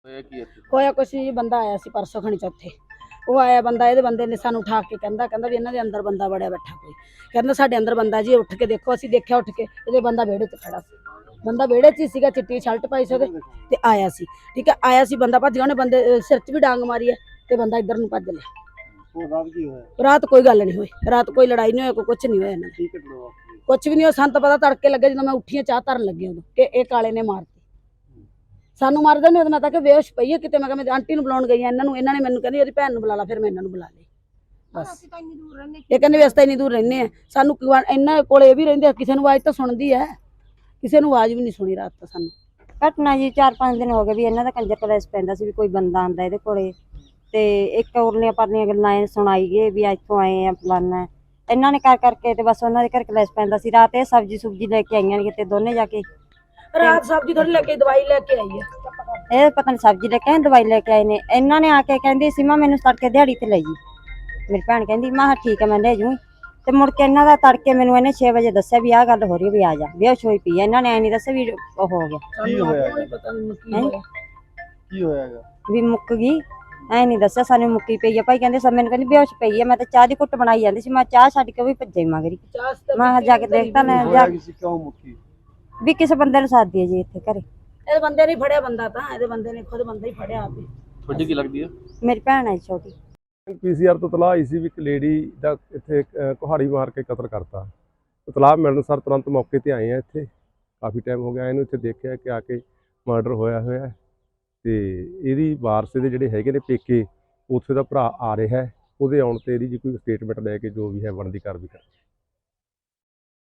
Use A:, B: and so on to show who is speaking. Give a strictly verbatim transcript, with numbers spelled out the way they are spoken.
A: ਹੋਇਆ ਕੀ ਇੱਥੇ?
B: ਹੋਇਆ ਕੁਛ ਜੀ, ਬੰਦਾ ਆਇਆ ਸੀ ਪਰਸੋਂ ਖਣੀ ਚੌਥੇ। ਉਹ ਆਇਆ ਬੰਦਾ, ਇਹਦੇ ਬੰਦੇ ਨੇ ਸਾਨੂੰ ਉਠਾ ਕੇ ਕਹਿੰਦਾ ਕਹਿੰਦਾ ਵੀ ਇਹਨਾਂ ਦੇ ਅੰਦਰ ਬੰਦਾ ਵੜਿਆ ਬੈਠਾ ਕੋਈ। ਕਹਿੰਦਾ ਸਾਡੇ ਅੰਦਰ ਬੰਦਾ ਜੀ, ਉੱਠ ਕੇ ਦੇਖੋ। ਅਸੀਂ ਦੇਖਿਆ ਉੱਠ ਕੇ, ਇਹਦੇ ਬੰਦਾ ਵਿਹੜੇ 'ਚ ਖੜਾ ਸੀ। ਬੰਦਾ ਵਿਹੜੇ 'ਚ ਹੀ ਸੀਗਾ, ਚਿੱਟੀ ਸ਼ਰਟ ਪਾਈ ਸੀ ਉਹਦੇ ਤੇ ਆਇਆ ਸੀ। ਠੀਕ ਹੈ, ਆਇਆ ਸੀ ਬੰਦਾ, ਭੱਜ ਗਿਆ। ਉਹਨੇ ਬੰਦੇ ਅਹ, ਸਿਰ 'ਚ ਵੀ ਡਾਂਗ ਮਾਰੀ ਹੈ ਤੇ ਬੰਦਾ ਇੱਧਰ ਨੂੰ ਭੱਜ ਲਿਆ।
A: ਉਹ ਰਾਤ ਕੀ ਹੋਇਆ?
B: ਰਾਤ ਕੋਈ ਗੱਲ ਨਹੀਂ ਹੋਈ, ਰਾਤ ਕੋਈ ਲੜਾਈ ਨਹੀਂ ਹੋਈ, ਕੋਈ ਕੁਛ ਨਹੀਂ ਹੋਇਆ ਇਹਨਾਂ
A: ਕੀ ਘਟਨਾ ਵਾਪਰੀ?
B: ਕੁਛ ਵੀ ਨਹੀਂ ਹੋਇਆ। ਸਾਨੂੰ ਤਾਂ ਪਤਾ ਤੜਕੇ ਲੱਗੇ ਜਦੋਂ ਮੈਂ ਉੱਠੀ ਹਾਂ ਚਾਹ ਧਰਨ ਲੱਗੀ ਉਦੋਂ ਕਿ ਇਹ ਕਾਲੇ ਨੇ ਮਾਰਤੀ। ਸਾਨੂੰ ਮਾਰਦਾ ਨਹੀਂ, ਮੈਂ ਤਾਂ ਕਿ ਬੇਹੋਸ਼ ਪਈ ਹੈ ਕਿਤੇ। ਮੈਂ ਕਿਹਾ ਮੈਂ ਆਂਟੀ ਨੂੰ ਬੁਲਾਉਣ ਗਈ ਹਾਂ, ਇਹਨਾਂ ਨੂੰ ਇਹਨਾਂ ਨੇ ਮੈਨੂੰ ਕਹਿੰਦੀ ਇਹਦੀ ਭੈਣ ਨੂੰ ਬੁਲਾ ਲਾ। ਫਿਰ ਮੈਂ ਇਹਨਾਂ ਨੂੰ ਬੁਲਾ ਲਈ ਬਸ। ਇਹ ਕਹਿੰਦੇ ਵੀ ਅਸੀਂ ਤਾਂ ਇੰਨੀ ਦੂਰ ਰਹਿੰਦੇ ਆ, ਸਾਨੂੰ ਇਹਨਾਂ ਕੋਲ ਇਹ ਵੀ ਰਹਿੰਦੇ ਆ, ਕਿਸੇ ਨੂੰ ਆਵਾਜ਼ ਤਾਂ ਸੁਣਦੀ ਹੈ, ਕਿਸੇ ਨੂੰ ਆਵਾਜ਼ ਵੀ ਨਹੀਂ ਸੁਣੀ ਰਾਤ ਤਾਂ ਸਾਨੂੰ।
C: ਘਟਨਾ ਜੀ ਚਾਰ ਪੰਜ ਦਿਨ ਹੋ ਗਏ ਵੀ ਇਹਨਾਂ ਦਾ ਕੰਜਰ ਕਲੇਸ਼ ਪੈਂਦਾ ਸੀ ਵੀ ਕੋਈ ਬੰਦਾ ਆਂਦਾ ਇਹਦੇ ਕੋਲੇ ਤੇ ਇੱਕ ਉਰਲੀਆਂ ਪਰਲੀਆਂ ਗੱਲਾਂ ਇਹ ਸੁਣਾਈ ਗਏ ਵੀ ਇੱਥੋਂ ਆਏ ਆ ਫਲਾਨਾ। ਇਹਨਾਂ ਨੇ ਕਰ ਕਰਕੇ ਤੇ ਬਸ ਉਹਨਾਂ ਦੇ ਘਰ ਕਲੇਸ਼ ਪੈਂਦਾ ਸੀ। ਰਾਤ ਇਹ ਸਬਜ਼ੀ ਸੁਬਜੀ ਲੈ ਕੇ ਆਈਆਂ ਨੇ ਕਿਤੇ ਦੋਨੇ ਜਾ ਕੇ।
B: ਰਾਤ ਸਬਜ਼ੀ ਥੋੜੀ ਲੈ ਕੇ ਦਵਾਈ ਲੈ ਕੇ ਆਈ ਹੈ।
C: ਇਹ ਪਤਾ ਨਹੀਂ ਸਬਜ਼ੀ ਲੈ ਕੇ ਆਏ ਦਵਾਈ ਲੈ ਕੇ ਆਏ ਨੇ। ਇਹਨਾਂ ਨੇ ਆ ਕੇ ਕਹਿੰਦੀ ਸੀਮਾ ਮੈਨੂੰ ਤੜਕੇ ਦਿਹਾੜੀ ਤੇ ਲੈ ਜੀ। ਮੇਰੀ ਭੈਣ ਕਹਿੰਦੀ ਮੈਂ ਕਿਹਾ ਠੀਕ ਹੈ ਮੈਂ ਲੈ ਜੂ। ਤੇ ਮੁੜ ਕੇ ਇਹਨਾਂ ਦਾ ਤੜਕੇ ਮੈਨੂੰ ਇਹਨੇ ਛੇ ਵਜੇ ਦੱਸਿਆ ਵੀ ਆਹ ਗੱਲ ਹੋ ਰਹੀ ਵੀ ਆ ਜਾ, ਬੇਹੋਸ਼ ਹੋਈ ਪਈ ਹੈ। ਇਹਨਾਂ ਨੇ ਐ ਨਹੀਂ ਦੱਸਿਆ ਵੀ ਉਹ ਹੋ ਗਿਆ।
A: ਕੀ ਹੋਇਆ?
B: ਪਤਾ ਨਹੀਂ ਕੀ ਹੋਇਆ,
A: ਕੀ ਹੋਇਆਗਾ?
C: ਵੀ ਮੁੱਕ ਗਈ, ਐ ਨਹੀਂ ਦੱਸਿਆ ਸਾਨੂੰ ਮੁੱਕੀ ਪਈ ਆ ਭਾਈ। ਕਹਿੰਦੇ ਸਭ ਮੈਨੂੰ ਕਹਿੰਦੀ ਬੇਹੋਸ਼ ਪਈ ਹੈ। ਮੈਂ ਤਾਂ ਚਾਹ ਦੀ ਘੁੱਟ ਬਣਾਈ ਜਾਂਦੀ ਸੀ, ਮੈਂ ਚਾਹ ਛੱਡ ਕੇ ਵੀ ਭੱਜੇ ਮਗਰੀ। ਮੈਂ ਜਾ ਕੇ ਦੇਖਦਾ ਨਾ ਜਾ
A: ਕਿਸੇ ਕਿਉਂ ਮੁੱਕੀ?
C: ਵੀ ਕਿਸੇ ਬੰਦੇ ਨੂੰ ਸਾਦੀ ਹੈ ਜੀ ਇੱਥੇ ਘਰੇ।
B: ਇਹਦੇ ਬੰਦੇ ਨੇ ਫੜਿਆ ਬੰਦਾ, ਤਾਂ ਇਹਦੇ ਬੰਦੇ ਨੇ ਖੁਦ ਬੰਦਾ ਹੀ ਫੜਿਆ ਆਪੇ।
A: ਤੁਹਾਡੀ ਕੀ ਲੱਗਦੀ ਹੈ?
C: ਮੇਰੀ ਭੈਣ ਹੈ ਛੋਟੀ।
D: ਪੀਸੀਆਰ ਤੋਂ ਤਲਾਹ ਆਈ ਸੀ ਵੀ ਇੱਕ ਲੇਡੀ ਦਾ ਇੱਥੇ ਕੁਹਾੜੀ ਮਾਰ ਕੇ ਕਤਲ ਕਰਤਾ। ਤਲਾਹ ਮਿਲਣ ਸਰ ਤੁਰੰਤ ਮੌਕੇ ਤੇ ਆਏ ਆ। ਇੱਥੇ ਕਾਫੀ ਟਾਈਮ ਹੋ ਗਿਆ ਇਹਨੂੰ ਇੱਥੇ ਦੇਖਿਆ ਕਿ ਆ ਕੇ ਮਰਡਰ ਹੋਇਆ ਹੋਇਆ ਤੇ ਇਹਦੀ ਵਾਰਸ ਦੇ ਜਿਹੜੇ ਹੈਗੇ ਨੇ ਪੇਕੇ, ਉੱਥੇ ਦਾ ਭਰਾ ਆ ਰਿਹਾ। ਉਹਦੇ ਆਉਣ ਤੇ ਇਹਦੀ ਜੀ ਕੋਈ ਸਟੇਟਮੈਂਟ ਲੈ ਕੇ ਜੋ ਵੀ ਹੈ ਬਣਦੀ ਕਾਰਵਾਈ ਕਰ